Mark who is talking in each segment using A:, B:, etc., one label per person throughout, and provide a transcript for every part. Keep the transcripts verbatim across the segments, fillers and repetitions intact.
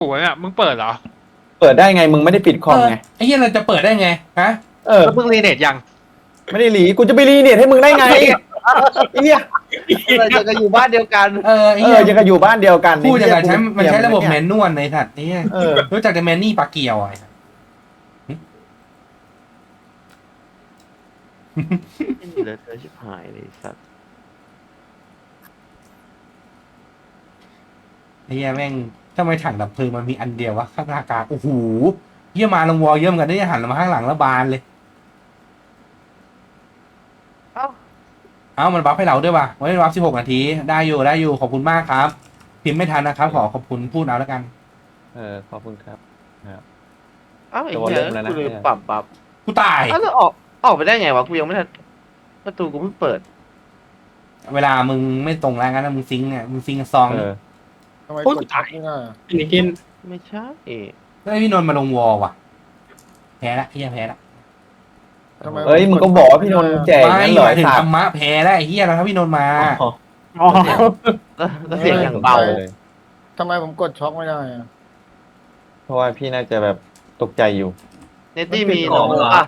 A: โอ้ยอ่ะมึงเปิดเหรอ
B: เปิดได้ไงมึงไม่ได้ปิดคอมไง
C: ไอ้เหี้ยเราจะเปิดได้ไงฮะ
B: เออ
A: แล้วมึงรีเน็ตยัง
B: ไม่ได้หลีกูจะไปรีเน็ตให้มึงได้ไงไอ้เหี้ย
D: เราจะกันอยู่บ้านเดียวกัน
C: เออไอ้
B: เอ
C: เหี้
B: อย ยังกับอยู่บ้านเดียวกัน
C: พูดอย่างไรใช้มันใช้ระบบแม
B: เย
C: นนวลในสัตว์นี่
B: เออ
C: รู้จักแต่แมนนี่ปลาเกียวไอ้
D: เหลือเธอชิบหายเลยสัตว์
C: ไอ้เหี้ยแม่งทำไมถังดับเพลิงมันมีอันเดียววะข้างกลางโอ้โหเหี้ยมาลงวอลเยอะเหมือนกันได้หันมาข้างหลังแล้วบานเลย
D: เอ้า
C: เอ้ามันบัฟให้เราด้วยว่ะวันนี้บัฟสิบหกนาทีได้อยู่ได้อยู่ขอบคุณมากครับ พิมพ์ไม่ทันนะครับขอขอบคุณพูดเอาแล้วกัน
B: เออขอบคุณครับ
D: เอ้าไอ้
B: ตัว
D: เหี้
B: เริ่
D: ย
B: มแล้วนะ
D: กูลืมปรับปรับ
C: กูตาย
D: เอ้าแล้วออกออกไปได้ไงวะกูยังไม่ทันประตูกูเพิ่งเปิด
C: เวลามึงไม่ตรงแล้วงั้นนะมึงซิงค์เนี่ยมึงซิงค์ซอง
B: เออ
E: ทำไม
A: โอ้ย
E: กด
A: ตาย
E: ไม่ได้อะ
A: อันนี้กิน
D: ไม่ใช่เอ๋
C: แล้วพี่นนท์มาลงวอลว่ะแพ้ละเฮียแพ้ละ
E: ทำไม
B: เอ้ยมึงก็บอกว่าพี่นนท์แจก
C: ไม่
B: นั่น
C: ห
B: เหรอ
C: มายถึง
B: สัต
C: ธร
B: ว์
C: รมะแพ้แล้วไอ้เฮียเราถ้าพี่นนท์มา
B: อ๋อ
A: อ๋อ
D: แล้วแล้วเสียงอย่างเบา
B: เลย
E: ทำไมผมกดช็อกไม่ได้อะ
B: เพราะว่าพี่น่าจะแบบตกใจอยู่
D: เนตตี้มีโนโฮป่ะ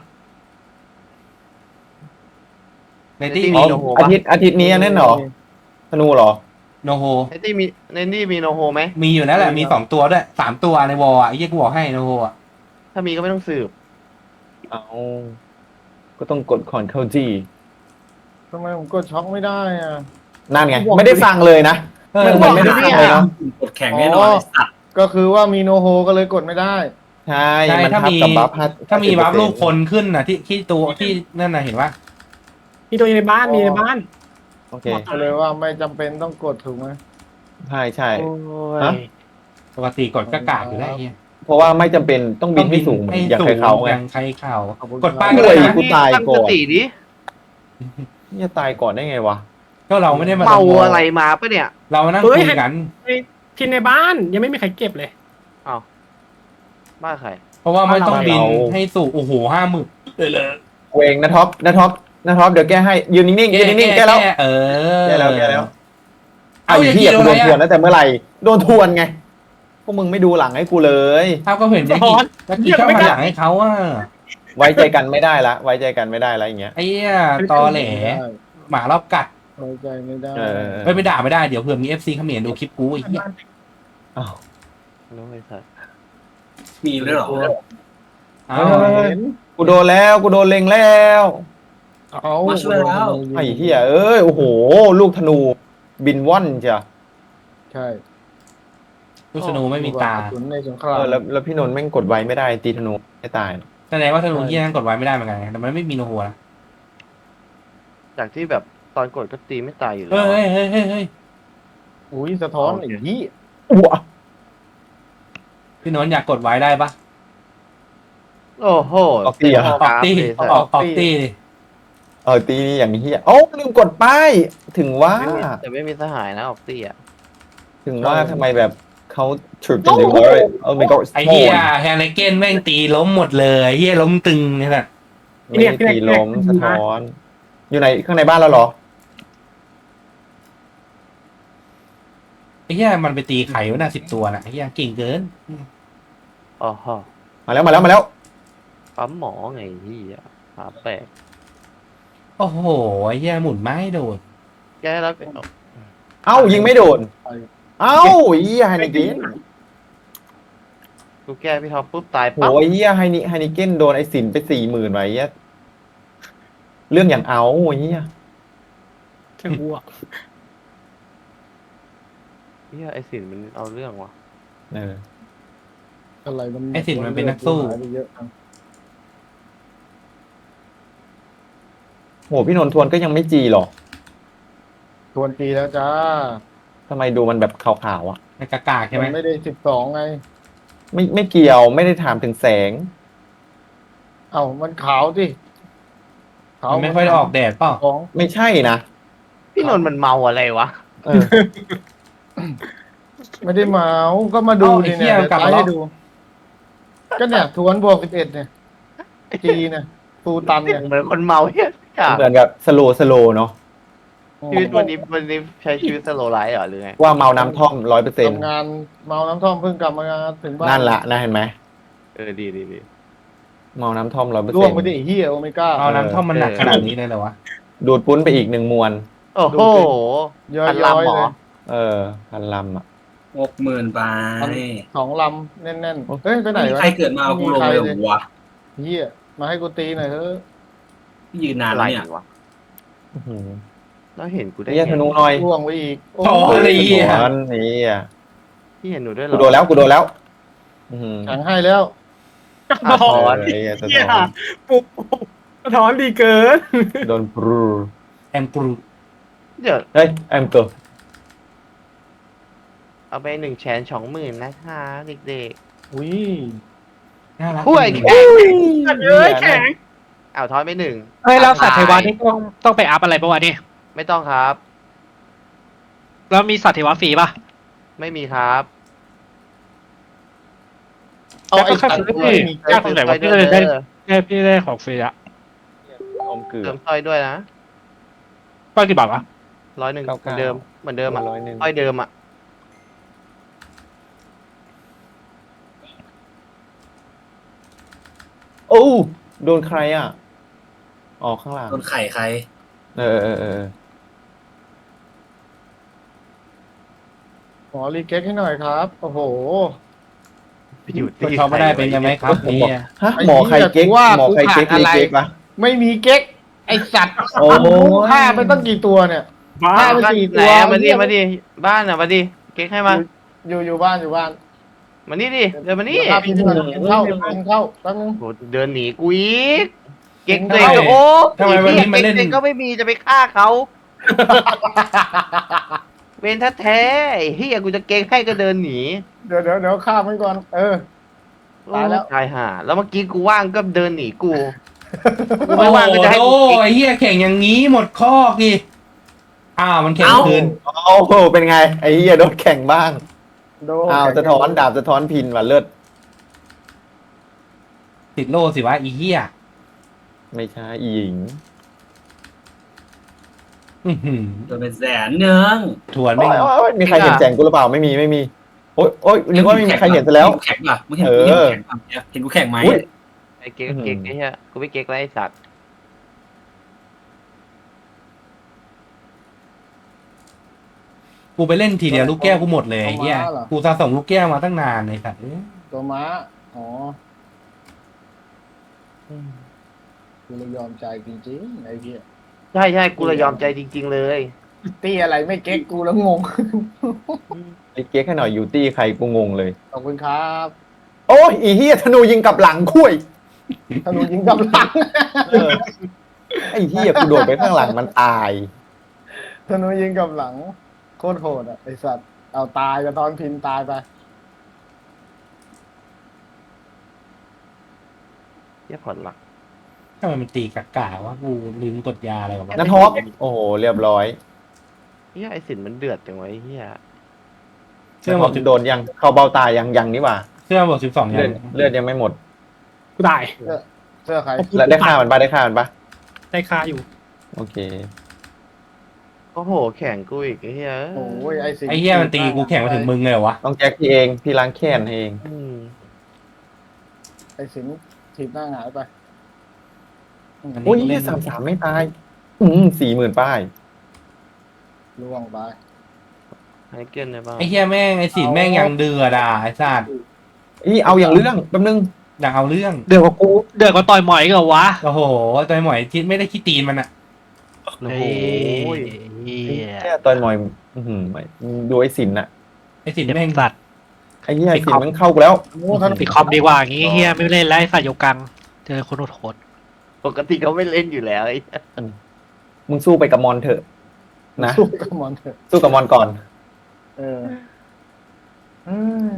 C: ในที่
D: มี
C: มี
B: อ๋อ
D: โนโฮปะ
B: อาทิตย์อาทิตย์นี้นั่นเหรอธนูเหรอ
C: โนโฮ
D: เนตตี้มีเนตตี้มีโนโฮไหม
C: มีอยู่แล้วแหละมีสองตัวด้วยสามตัวในวอลอ่ะไอ้เฮียกูบอกให้โนโฮอ่ะ
D: ถ้ามีก็ไม่ต้องสืบ
B: เอาก็ต้องกดคอนเข้าจี
E: ทำไมผมกดช็อกไม่ได้อะ
B: นั่นไงไม่ได้ฟังเลยนะไม่เหมือนไม่ได้ฟังเลยเนาะ
F: กดแข่งแน่นอนไอ้สัตว์
E: ก็คือว่ามีโนโฮก็เลยกดไม่ได้
B: ใช่
C: ใช่
B: มัน
C: ถ้า
B: ทับ
C: มี
B: กับบัฟห้า
C: ถ้ามีบัฟลูกคนขึ้นน่ะที่ที่ตัวที่นั่นน่ะเห็นปะ
A: มีตัวอยู่ในบ้านมีในบ้าน
B: โอเค
E: ก็เลยว่าไม่จำเป็นต้องกดถูกไหม
B: ใช่ใช่
D: โอ้
B: ฮะ
D: ย
C: ปกติกดก็กากอยู่แล้วไอ้เฮีย
B: เพราะว่าไม่จำเป็นต้องบินให้สูงเหมือนอย่างใครเขาไง
C: อย่างใครเขา
E: ขอบคุณ
C: กดป้าย
E: ค
C: ก็
E: รับ
C: ได้
B: โอ้
C: นะ
B: กูตายก่อน
D: ตั้งสติดิ
B: เนี่ยตายก่อนได้ไงวะ
C: ก็เราไม่ได้มา
D: เมา
C: ลงวล
D: อะไรมาปะเนี่ย
C: เรานั่ง
A: เฮ้
C: คุ
A: ย
C: ยกัน
A: ที่ในบ้านยังไม่มีใครเก็บเลย
D: อ้าวบ้าใคร
C: เพราะว่าไม่ต้องบิน
B: เรา
C: ให้สู่โอ้โหห้าหมื่นเลยเลย
B: เวงนะท็อปนะท็อปนะท็อปเดี๋ยวแก้ให้ยืนนิ่งๆยืนนิ่งๆแก้แล้ว
C: เออ
B: แก้แล้วแก้แล้ว
C: เอา
B: ไอ้
C: อย่าง
B: เหี้
C: ที่
B: ย
C: โด
B: กู
C: น
B: โด
C: อะไร
B: นทวน
C: อ่ะ
B: ตั้งแต่เมื่อไหร่โดนทวนไงพวกมึงไม่ดูหลังให้กูเลย
C: ถ้าก็เห็นอย่างที่แล้วกี่เข้ามาหลังให้เขาอ่ะ
B: ไว้ใจกันไม่ได้ละไว้ใจกันไม่ได้ละอย่างเงี้ย
C: ไอ้เหี้ยตอแหลหมารอบกัด
E: ไว้ใจไม่ได้
B: เออ
C: ไม่ไปด่าไม่ได้เดี๋ยวเผื่อมีเอฟซีเขมรดูคลิปกูไอ้เหี้ย
B: อ้าว
D: รู้ไอ้สัส
F: มีด้วยเหรอ
C: อ้า
B: เฮ้
C: วย
B: กูโดนแล้วกูโดนเล็งแล้ว
E: เอา
F: มาช่วยแล้ว
B: ไอ้เหี้ยเอ้ยโอ้โหลูกธนูบินว่อนจ้ะ
E: ใช่
C: ลูกธนูไม่มีตา
E: กระสุนในสงค
B: เอ
E: ราม
B: อแล้วแล้วพี่นนท์แม่งกดไว้ไม่ได้ตีธนูไม่ตาย
C: แสดงว่าธนูที่นั่นกดไว้ไม่ได้เหมือนกันแต่มันไม่มีโนโฮนะ
D: จากที่แบบตอนกดก็ตีไม่ตายอยู่แล้
C: เฮ้
D: วย
C: เฮ้ยเฮ้ยเฮ้ย
E: อุ้ยสะท้อนไอ้ยี่
B: อ้ว
C: พี่นนท์อยากกดไว้ได้ปะ
D: โอ้โห
B: ออกตีเหรอ
C: ออกตี
D: เลยสัส
C: ออกออกตีดิ
B: เออตีนี่อย่างเหี้ยโอ้าลืมกดป้ายถึงว่า
D: ไม่มีแต่ไม่มีสหายนะออกตีอ่ะ
B: ถึงว่าทำไมแบบเขาฉุดกันอยู่เลยเออไม่ก็
C: ไอ้เหี้ยแฮร์รี่เกนแม่งตีล้มหมดเลยเหี้ยล้มตึงเนี่ยแหละ
B: ไม่ได้ตีล้มสะท้อน อยู่ไหนข้างในบ้านแล้วเหรอ
C: ไอ้เหี้ยมันไปตีไข่ไว้น่ะสิบตัวน่ะไอ้เหี้ยเก่งเกิน
D: อ๋อฮะ
B: มาแล้วมาแล้วมาแล้ว
D: ปั๊มหมอไงที่อ่ะหาแปลก
C: โอ้โหไอ้เหี้ยหมุนไม้โดด
D: แก้แล้วก็
B: เอ้ายิงไม่โดน เอ้าเฮียไฮนิเกน
D: กูแก้พี่ท็อปปุ๊บตาย
B: โห
D: ปั๊บ
B: ไอ้เฮียไฮนิไฮนิเกนโดนไอ้สินไปสี่หมื่นไว้เฮียเรื่องอย่างเอาไอ้เฮีย
A: เชิงวัว
D: เฮียไอสินมันเอาเรื่องว่ะ
B: เออ
E: อะไรมัน
C: ไอ้สินมันเป็นนักสู้
E: หายไปเยอะจัง
B: โหพี่นนท์ทวนก็ยังไม่จีหรอก
E: ทวนปีแล้วจ้า
B: ทำไมดูมันแบบขาวๆอ่ะ
C: ไอ้กากากใช่ไหม
E: มันไม่ได้สิบสองไง
B: ไม่ไม่เกี่ยวไม่ได้ถามถึงแสง
E: เอ้ามันขาวสิขาว
C: มันไม่ค่อยได้ออกแดดเปล่า
E: ของ
B: ไม่ใช่นะ
D: พี่นนท์มันเมาอะไรวะ
B: เออ
E: ไม่ได้เมาก็มาดูดิเนี่ยเดี๋ยวไล่ให้ดู ก็เนี่ยทวนบวกสิบเอ็ดเนี่ยจีเนี่ยฟูตันเนี่ย
D: เหมือนคนเมาเฮียกา
B: เหมือนกับสโลสโลเนาะ
D: ชีวิตวันนี้วันนี้ใช้ชีวิตสโลไลฟ์เหรอหรือไง
B: ว่าเมาน้ำท่อมร้อยเปอร์เซ็นต์
E: ทำงานเมาน้ำท่อมเพิ่งกลับมาถึงบ้าน
B: นั่นละนะเห็นไหม
D: เออดีดีดี
B: เมาน้ำท่อมร้อยเปอร์
E: ร่
B: เซ็
E: วน ง
B: ต์
E: ไปดิไอ้เฮียโอเมก้า
C: เอาน้ำท่อมมันหนักขนาดนี้เลยเหรอวะ
B: ดูดปุ้นไปอีกหนึ่งมวน
D: โอ้โห
E: ย้อ
D: พัน
E: ย
D: ลำเหร
E: ๆเล
D: อย
B: เออพันลำอ่ะ
F: หกหมื่นไป
E: สองลำแน่นๆเฮ้ยไปไหน
F: ไม่มี
E: วะ
F: ใครเกิดมาเอากูลงเลยเหรอวะ
E: เฮียมาให้กูตีหน่อยเถอะ
F: ยืนนาน
D: อะไร
F: แล้วเนี่ย
D: วะ
B: อื้อหือ
D: แล้วเห็นกูได้
B: เฮีย
D: ไง
B: ธนูหน่อย
E: ร่วงไปอีกโอ้
C: โอ้
E: ย
C: ยเหี้ย
B: สวนนี่อ่ะ
D: พี่เห็นหนูด้วยเหร
B: กู
D: อ
B: โดนแล้วกูโดนแล้วอื้อหือ
E: แข็งให้แล้ว
D: อ่ะ
A: ถ
D: ถ
A: อ
D: อน น
B: เออเหี้ยสะ
A: เหี้ย
B: ท้อน
A: ปุ๊บสะท้อนดีเกิน
B: โดนปรู
C: แอมกรู
D: เดี๋ยว
B: เฮ้ยแอมตัว
D: เอาไปหนึ่งแสนสองหมื่นนะคะเด็ก
E: อุ้ย
C: น่ารัก
D: ๆผู้ใหญ่แข็ง
A: เอ้ยแข็ง
D: เอาทอนไปหนึ่ง
G: เฮ้ยเราสัตว์เทวานี่ต้องต้องไปอัพอะไรปะวะนี่
D: ไม่ต้องครับ
G: แล้วมีสัตว์เทวาฟรีปะ
D: ไม่มีครับ
E: เอาไอ้
G: แล้วก็
E: สัตว์
G: แค่
E: ไม่มี
G: ยากตรงไหนวะพี่เลยได้ได้พี่ได้ของฟรีอะ
B: อมเกลือ
D: เติมสร้อยด้วยนะ
G: ก็กี่บาทวะ
D: ร้อยหนึ่งเห
B: เก้า
D: มือน
B: เก้า
D: เดิมเหมือนเดิมอ่ะ
B: ร้อยหนึ่ง
D: สร้อยเดิมอ่ะ
B: โอ้โดนใครอ่ะออกข้างหลัง
F: โดนไข่ใคร
B: เออเออเออ
E: ขอรีเก็กให้หน่อยครับโอ้โห
D: ไปอยู่
C: คนชอบไม่ได้เป็นยังไงครับนี่
B: ฮะหมอใครเก๊ก
E: ว่า
B: หมอใครเก๊ก
E: กูผ่านอะไร
B: เก๊กปะ
E: ไม่มีเก๊กไอ้สัตว์
B: โอ้โห
E: ฆ่าไปตั้งกี่ตัวเนี่ย
A: บ้า
E: บ้า ไป
D: บ้าน
E: สี่
D: ไหน
E: ตัว
D: อะมาดิ
E: เหี้ย
D: มาดิบ้านอ่ะมาดิเก๊กให้มา
E: อยู่อยู่บ้านอยู่บ้าน
D: มานี่ดิเดินมานี่
E: เดี๋ยวพาพี่ขึ้นมากินข้าวกินข้าวแป๊บนึง
D: โหเดินหนีกูอีกเก๊ก
E: เฮ้
D: เลย ยโอ้
C: ทำไมวันนี้มาเล่น
D: เก๊กก็ไม่มีจะไปฆ่าเขาเวนแท้ๆไอ้เฮียกูจะเก๊กให้ก็เดินหนี
E: เดี๋ยวเดี๋ยวเดี๋ยวข้ามมันก่อน เออ ตายแล้ว
D: ตายห่าแล้วเมื่อกี้กูว่างก็เดินหนีกูกู
C: โอ้
D: ไม่ว่างก็จะให้
C: โห
D: กูเก๊ก
C: ไอ้เหี้ยแข่งอย่างงี้หมดข้อกี่อ้าวมันแข่ง
F: เอ้า
C: คืน
B: โอ้โหเป็นไงไอ้เหี้ยโดนแข่งบ้าง
E: โด
B: อ้าวสะท้อนดาบสะท้อนพินว่ะเลิศ
C: ติดโล่สิวะอีเหี้ย
B: ไม่ใช่อีหญิง
C: อื้อหือ
F: โดนเป็นแสนเนือง
C: ทวน
B: โอ้
C: ไม่
B: ยโอ้ยโอ้ยมีใครเห็นแจงกูหรือเปล่าไม่มีไม่มีโอ้ยโอ้ยนึกว่าไม่มีใครเห็นซะแล้ว
F: แข็งป่ะมึงเห็น
B: เอ
F: กู
B: อ
F: เห็นแข็งป่ะเห็นกูแข็งไหม
B: อุ๊ย
D: ไอ้เก๊กเก๊กไอ้เหี้ยกูไม่เก๊กแล้วไอ้สัตว์
C: กูไปเล่นทีเดียวลูกแก้วกูหมดเลยไอ้เหี้ยกูสะสมลูกแก้วมาตั้งนานเลยสัตว์เอ้ย
E: ตัวม้า อ๋อกูเลยยอมใจจริงๆไอ้เหี้ย
D: ใช่ใช่กูเลยยอมใจจริง ๆ เลย
E: ตีอะไรไม่เก๊กกูแล้วงง
B: ไอ้เก๊กให้หน่อยอยู่ตี้ใครกูงงเลย
E: ขอบคุณครับ
B: โอ้ยอีเหี้ยธนูยิงกลับหลังคุย
E: ธนูยิงกำลัง
B: เออไอ้เหี้ยกูโดดไปข้างหลังมันตาย
E: ธนูยิงกำลัง โคตรโหดอ่ะไอสัตว์เอาตายกับตอนพินตายไป
D: เหี้ยผ่อนหลัก
C: ทำไมมันตีกากาวะกูลืมกดยาอะไรกับมัน
B: นัทฮอปโอ้โหเรียบร้อย
D: เฮียไอ้สินมันเดือดจังวะไอ้เฮีย
C: เสื้อ
B: นัท
C: ห
B: ฮ
C: ม
B: อ
C: ด
B: ปโดนยังเข้าเบ้าตายยังยังนี่หว่า
C: เสื้อหมดสิบสองยั
B: เลือด
C: ง
B: เลือดยังไม่หมด
A: กูตาย
E: เสื้อใคร
B: แล้วได้ฆ่ามันปะได้ฆ่ามันปะ
A: ได้คาอยู่
B: โอเค
D: โอ้โหแข่งกูอีกไอ้เฮีย
E: โอ้ยไอสิ
C: ไอ้เหี้ยมันตีกูแข่งมาถึงมึงเลยเหรอวะ
B: ต้องแจ็คพี่เองพี่ล้างแค้นให้เอง
D: อืม
E: ไอสินถีบหน้าหงายไป
C: อันนี้
B: โอ้ย
C: กู
B: เหี้
C: เล่
B: ย
C: น
B: สามสามไม่ตาย อืมสี่หมื่นป้าย
E: ล่วงไป
D: ให้เกินได้บ้าง
C: ไอ้เหี้ยแม่งไอ้สินแม่งยังเดือดอ่ะไอ้สัตว์
B: อีเอาอย่างเรื่องแป๊บนึง
C: อยากเอาเรื่อง
G: เดือดกว่ากูเดือดกว่าต่อยหมอยอีก็วะ
C: โอ้โหตัวหมอยคิดไม่ได้คิดตีนมันอ่ะ
D: โอ้โห
G: เฮ้ยเหี้ย
B: แค่ตอนหมอยอื้อหือดูไอ้สินอะ
C: ไอ้สิน
G: เจ็บ
C: แม่ง
G: สัตว์
B: ไอ้เหี้ยไอ้สินมันเข้ากูแล้ว
E: โอ้ท่าน
G: ปิดคอมดีกว่าอย่างงี้เฮียไม่เล่นแล้วไอ้สัตว์โยกังเจอคนโหด
D: ปกติเขาไม่เล่นอยู่แล้วไอ้เหี้ย
B: มึงสู้ไปกับมอนเถอะ นะ
E: สู้กับมอนเถอะ
B: สู้กับมอนก่อน
E: เอออืม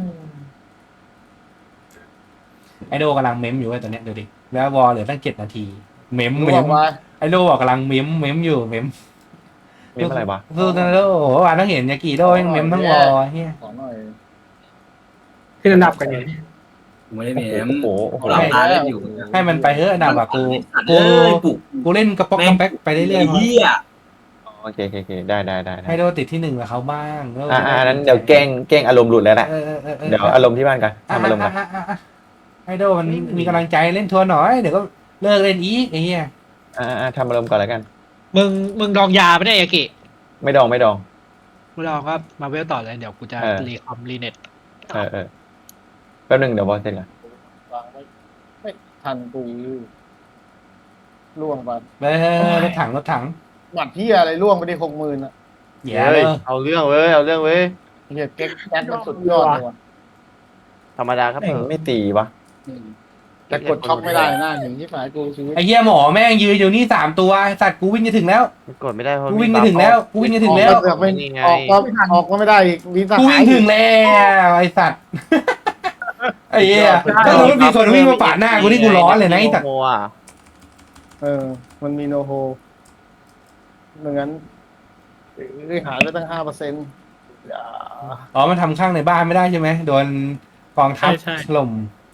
C: ไอโดกำลังเม้มอยู่ไอ้ตัวเนี้ยดูดิแล้ววอลเหลือตั้งเจ็ดนาที เม้ม
E: ล่
C: เม้
E: ว
C: ม
E: งไป
C: ไอโดบอกกำลังเม้มเม้มอยู่เม้ม
B: มีอะไรวะ
C: สู้นะโดโอ้โหอ่านต้องเห็นยากิโดแม่งเม้มทั้งวอลเฮีย
E: ขอหน่อย
A: ขึ้นอันดับกันอยู่
F: กูไม่ได้เม
B: โอ้
F: ม
B: โหโอ้โห
F: หลับตาเล่นอยู่
C: ให้มันไปเถอะอันดับอะกู
F: เอ้
C: กู
F: ยปลุก
C: กูเล่นกระป๊อกกระแป๊กไปเรื่อย
F: ไอ้
C: ๆ
F: เหี้ย
B: อ๋อโอเคโอเคโอเคได้ได้ได้ได้
C: ให้โดติดที่หนึ่งกับเขาบ้างแล้ว
B: อ่าอ่านั้นเดี๋ยวแกล้งแกล้งอารมณ์หลุดแล้วแหละ
C: เออเออเออเออ
B: เดี๋ยวอารมณ์ที่บ้านกัน
C: อ่ะ
B: ทำอารมณ์กัน
C: อ่ะอ่ะอ่ะให้โดมันมีกำลังใจเล่นทัวร์หน่อยเดี๋ยวก็เลิกเล่นอีกไอ้เหี้ย
B: อ่าอ่าทำอารมณ์ก่อนแล้วกัน
G: มึงมึงดองยาไม่ได้ยากิ
B: ไม่ดองไม่ดอง
G: มึงดองก็มาเวลต่อเลยเดี๋ยวกูจะ
B: เออ
G: รีคอมรีเน็ต
B: เออเออแป๊บหนึงเดี๋ยวบอสเสร็จก่อน
E: วางไว้ไม่ทันกูล่วงไป
C: เออรถถังรถถัง
E: หมัดที่อะไรล่วงไปได้หกหมื่นอ่ะ
C: แย่
D: เฮ้
C: เลย ย
D: เอาเรื่องเว้ยเอาเรื่องเว้ย
E: เฮียเก๊กแก๊กมันสุดยอดเลยว่ะ
D: ธรรมดาครับ
B: แม่งไม่ตีวะ
E: แต่กดช็อกไม่ได้หน้าหนึ่งที่ฝ่ายกูชีวิต
C: ไอ้เหี้ยหมอแม่งยืนอยู่นี่สามตัวไอ้สัตว์กูวิ่งจะถึงแล้ว
D: มันกดไม่ได้เพราะ
C: กูวิ่งจะถึงแล้วกูวิ่งจะถึงแล้ว
E: ออกก็ไม่
D: นี่ไง
E: ออกก็ออกก็ไม่ได้อีกมีส
C: กู
E: หา
C: วิ่
E: ย
C: งถึงแล้วไอ้สัตว์ไอ้เหี้ยถ้าสมมติมีคนวิ่งมาปาดหน้ากูนี่กูร้อนเลยนะไอ้สัตว์
D: โมอ่ะ
E: เออ มันมีโนโฮไม่งั้นเอ้ยหายไปตั้งห้าเปอร์เซ็นต์
C: อ๋อมันทำข้างในบ้านไม่ได้ใช่ไหมโดนกองทัพถล่ม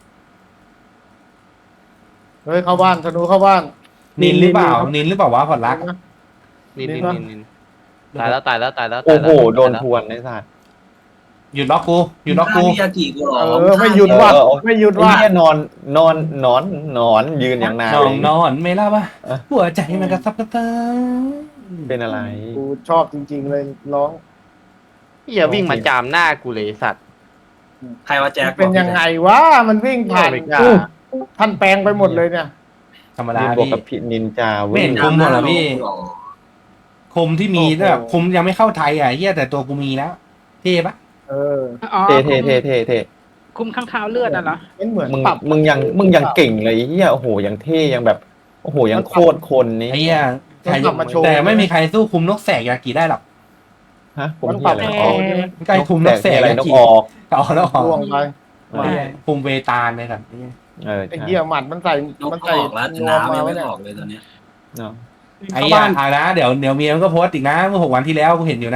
E: เฮ้ยเข้าบ้านธนูเข้าบ้าน
C: นินหรือเปล่านินหรือเปล่าวะพอดรัก
D: นินนินนินนินตายแล้วตายแล้วตายแล้ว
B: โอ้
D: ตาย
B: โห
D: แล้ว
B: โดนทวนไอ้สัตว์
C: หยุดล็อกกูหยุดล็อกกู
F: มิยากิกูหรอ
E: เออไม่หยุดว่ะ
B: เออเออ
E: ไม่หยุด
B: ไอ้
E: ว่ะ
B: เหี้ยนอนนอนนอนนอนยืนอย่างนาน
C: นอ
B: เล
C: น
B: ย
C: นอนไม่รับอ่ะ
B: เออ
C: หัวใจมันกระซับกระเซิง
B: เป็นอะไร
E: กูชอบจริง ๆ เลยร้อง
D: อย่าวิ่งมาจามหน้ากูเลยสัตว์
F: ใครว่าแจ็ค
E: เป็นยังไงวะมันวิ่งผ่าน
D: ไม่กล้า
E: กูท่านแปลงไปหมดเลยเนี่ย
C: ธรรมดา
B: นี่บวก
C: พี่
B: กับพินินจา
C: ไม่
B: เว้ย
C: เห็น คุมหมดเหรอพี่ คมที่มี
E: โอ้โห
C: แบบคมยังไม่เข้าไทยอ่ะเฮียแต่ตัวกูมีแล้วเท่ปะ
E: เออ
G: อ๋อ
B: เท่เท่เท่เท่เท่
G: คุมข้างเท้าเลือดอ่ะเหรอ
E: มันเหมือน
B: มึง
E: ปรับ
B: มึงยังมึงยังเก่งเลยไอ้เหี้ยโอ้โหยังเท่ยังแบบโอ้โหยังโคตรคนนี้
C: ไอ้เฮียใคร
E: มันกลับมาโชว์
C: แต่ไม่มีใครสู้คุมนกแสกยากิได้หรอก
B: ฮะผม
E: มัน
B: เหี้
E: ป
B: ย
E: รับ
B: อะไร
E: โช
B: อ๋อ
E: ว์ใช่ไหม
C: ใกล้คุมนกแสก
B: อะไร
C: ยาน
B: ก
C: กิ
B: ออก
C: เอาแล้วออก
E: ล่วงไป
C: ไอ้เหี้ยคุมเวตาลเลยครับ
B: เออ
E: ไอ้
B: ใช่
E: เหี้ยหมัดมันใส่
F: นก
E: มัน
F: อ
E: ใส่
F: อกแล้วแต่
E: นวม
F: น้ำ
E: มา
F: ยัง
E: ไว้
F: ไม่
E: เนี่ย
F: ออกเลยตอนเนี้ย
B: เนาะ
C: ไอ้
A: เข้า
C: เหี้ย
A: บ้าน
C: อ่านะเดี๋ยวเดี๋ยวเมียมันก็โพสต์อีกนะเมื่อหกวันที่แล้วกูเห็นอยู่นะ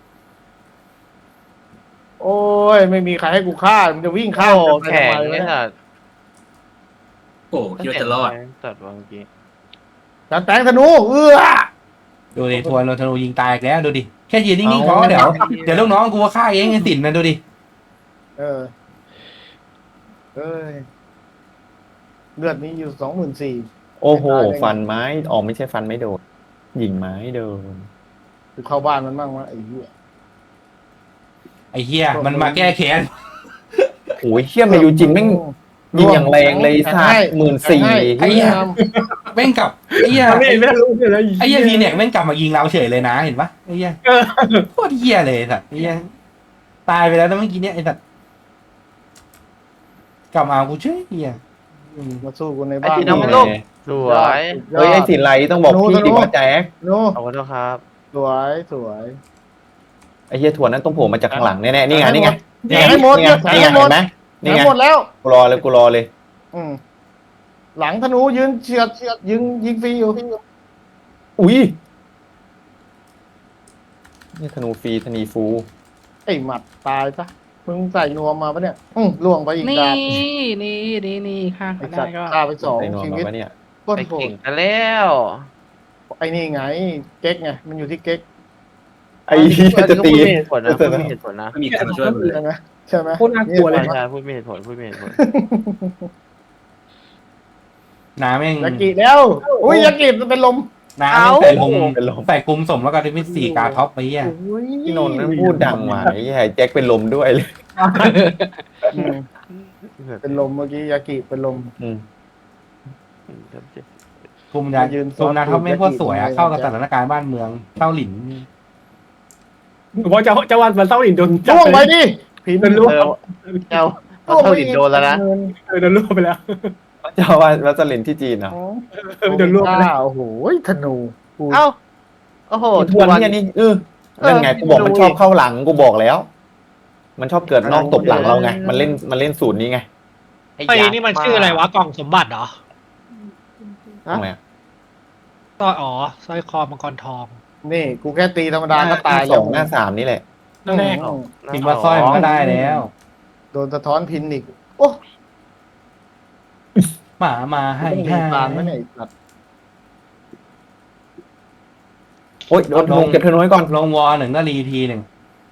E: โอ้ยไม่มีใครให้กูฆ่ามันจะวิ่งฆ่า
D: โอ้
E: กันไป
D: แข็ง
E: ทำไม
D: เนี่
E: วะ
D: ย
E: เนี่ย
D: สัตว์
F: โอ้คิดว่าจะรอด
D: ตัดวางเมื่อกี้
E: จานแตงธนูเอื้อ
C: ดูดิทวนโรธนูยิงตายอีกแล้วดูดิแค่ยืนนิ่งๆพอเดี๋ยวเดี๋ยวลูกน้องกูว่าฆ่าเองไอ้สินนะดูดิ
E: เออเอ้ยเลือดนี้อยู่สองหมื่นสี่
B: โอ้โหฟันไม้อ๋อไม่ใช่ฟันไม่โดนยิงไม้โดน
E: กูเข้าบ้านมันบ้างวะไอ้เหี้ย
C: ไอ้เหี้ยมันมาแก้แค้น
B: โอ้ยเชี่ยมาอยู่จริงแม่งยิงอย่างแรงเลยสัตว์หมื่นสี่
C: ไอ้เหี้ยแม่งกลับไอ้เหี้ย
A: ไม่ไม่รู้เลย
C: ไอ้เหี้ยพีเนี่ยแม่งกลับมายิงเราเฉยเลยนะเห็นปะไอ้เหี้ยโคตรเหี้ยเลยสัตว์ไอ้เหี้ยตายไปแล้วนะเมื่อกี้เนี่ยไอ้สัตว์กลับมาเอากูเฉยเหี้ยอืม
E: มาสู้กูใน
D: ไอ้
E: บ้าน
D: ที่น้องมันลูกสวย
B: เฮ้ยไอ้สินไรต้องบอกพี่ดิว่าแจ๊ค
E: โน้
D: ขอบคุณครับ
E: สวยสวย
B: ไอ้เหี้ยทวนนั้นต้องโผล่มาจากข้างหลังแน่ๆนี่ไงนี่ไง
E: แทงให้หมด
B: นี่ไง
E: แทง
B: นี่ไง
E: ให้หมด
B: เห็นไหม
E: แท
B: นี่
E: ง
B: ไง
E: หมดแล้ว
B: กูรอเลยกูรอเลย
E: อืมหลังธนูยืนเฉียดเฉียดยิงยิงฟรีอยู่
B: อุ้ยนี่ธนูฟรีธนีฟู
E: ไอ้หมัดตายซะมึงใส่นวมมาปะเนี่ยอืมล่วงไปอีก
G: นี่
E: ดาบ
G: นี่นี่นี่ค่ะ
E: ไอ้
G: ได้
E: สัตว์
G: ก็
E: ฆ่าไปสอง
B: ไอ้นอน
E: ชี
B: มา
E: วิต
B: ปะเนี่ย
E: โคต
D: ไป
E: รโห
D: เก่
E: ด
D: งกันแล้ว
E: ไอ้นี่ไง เก๊กไงมันอยู่ที่เก๊ก
B: ไอ้เหี้ยจะตี
D: พูดไม่มีเหตุผลนะพูดไม่มีเหตุผลนะ
F: ไม่มีใครมาช่วยมึงเลย
E: ใช่ไหมใช่ไหม
A: โคตรน่ากลัวเลย
D: ใช่พูดไม่มีเหตุผลพูดไม่มีเหตุผล
C: น้าแม่ง
E: ยากิแล้วอุ้ยยากิมันเป็นลม
C: น้าแม่งใส่คุม
B: เป็นลม
C: ใส่คุมสมแล้วก็ที่เป็นสี่กาท็อปไปเหี้ย
E: อุ้ย
B: พี่นนท์นั่นพูดดังว่ะไอ้เหี้ยแจ็คเป็นลมด้วยเลย
E: อืมเป็นลมเมื่อกี้ยากิเป็นลม
B: อืม
C: คุมยา
E: ยืนซ้
C: คุ
E: อน
C: มนาท็อปแม่งโคตรสวยอะ
E: ยากิ
C: เข้ากับสถานการณ์บ้านเมืองเต้าหลิน
A: เพราะเจ้าเจ้าวันมันเต้าหลินโดนจับ
E: ล่วง
A: ไป
E: ไปดิผี
A: โดนล่วง
D: เออเจ้าเอาเท่าดินโดนแล้วนะ
A: เออโดนล่วงไปแล้ว
B: เจ้าว่าวัสลินที่จีนเหรอ
A: เออโดนล่วงไปแล้ว
E: โอ้โหธนูกู
D: เอ้าโอ้โห
B: ทวนเนี่ยนี่เออนั่นไงกูบอกมันชอบเข้าหลังกูบอกแล้ว มันชอบเกิดนอกตบหลังเราไงมันเล่นมันเล่นสูตรนี้ไง
G: ไอ้นี่มันชื่ออะไรวะกล่องสมบัติเหรอ
B: ทำไมอะ
G: ต่ออ๋อสร้อยคอมังกรทอง
E: นี่กูแค่ตีธรรมดาก็ตาย
B: ส
E: แล้
B: อ
E: ว
B: งหน้าสามนี่แหละ
A: นั่นแรก
E: อืม
C: พิมพ์ว่าสร้อยมันก็ได้แล้ว
E: โดนสะท้อนพินอีกโอ้
C: หมามาให้
E: ไม่มี
C: ให้
E: ปานไม่ไหนยไอ้สัตว์
B: โอ้ยโดนธนูเก็บธนูไว้ก่อน
C: ลงวอหนึ่งก็รีทีหนึ่ง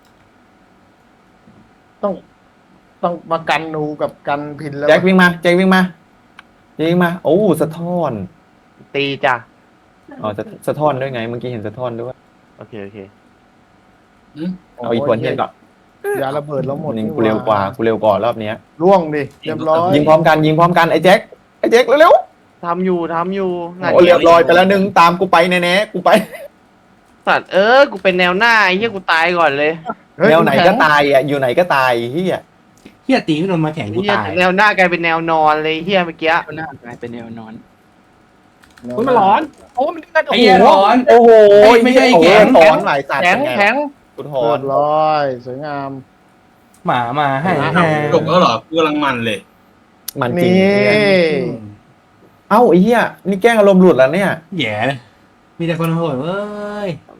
E: ต้องต้องมากันนูกับกันพินแล้ว
B: แจ็ควิ่งมาแจ็ควิ่งมาแจ็ควิ่งมาโอ้สะท้อน
D: ตีจ้ะ
B: อ๋อสะสะท้อนด้วยไงเมื่อกี้เห็นสะท้อนด้วย
D: โอเคโอเค
B: เอาอีกคนเทียนก่อน
E: ยาระเบิดแล้วหมด
B: นี่กูเร็วกว่ากูเร็วกว่ารอบเนี้ย
E: ล่วงดิเรียบร้อย
B: ยิงพร้อมกันยิงพร้อมกันไอ้แจ็คไอ้แจ็คเร็ว
D: ทำอยู่ทำอยู่
B: ๆ
D: งาน
B: โอ้เรียบร้อยไปแล้วหนึ่งตามกูไปแน่ๆกูไป
D: สัตว์เออกูเป็นแนวหน้าไอ้เหี้ยกูตายก่อนเลย
E: เฮ้ย
B: แนวไหน
E: คุณ
B: ก็
E: แข็ง
B: ตายอ่ะอยู่ไหนก็ตายเฮีย
C: เฮียตีไม่โดนมาแข่งกู
D: เหี้ย
C: ตาย
D: แนวหน้ากลายเป็นแนวนอนเลยเหี้ยเมื่อกี้
H: หน้ากลายเป็นแนวนอน
A: อุ้ยมันร้อนโอ้มันเลือดโอ้
C: ไอ้
A: โห
C: เหี้ยร้อน
B: โอ้โห
C: เฮ้ยไม่ใช่ไอ้แข็ง
B: ถอนหลายสัตว์
E: แข็ง
B: เป็นไ
E: แข็ง
B: กูถ
E: เรี
B: อย น
E: บร้อยสวยงาม
C: หมามาให้แฮ
F: จบแล้วเหรอกูกำลังมันเลย
B: มันจริง
E: นี่
B: เหี้ยเอ้าไอ้เหี้ยนี่แกล้งอารมณ์หลุดแล้วเนี่ย
C: แย่เลยมีแต่คนโหดเว้ย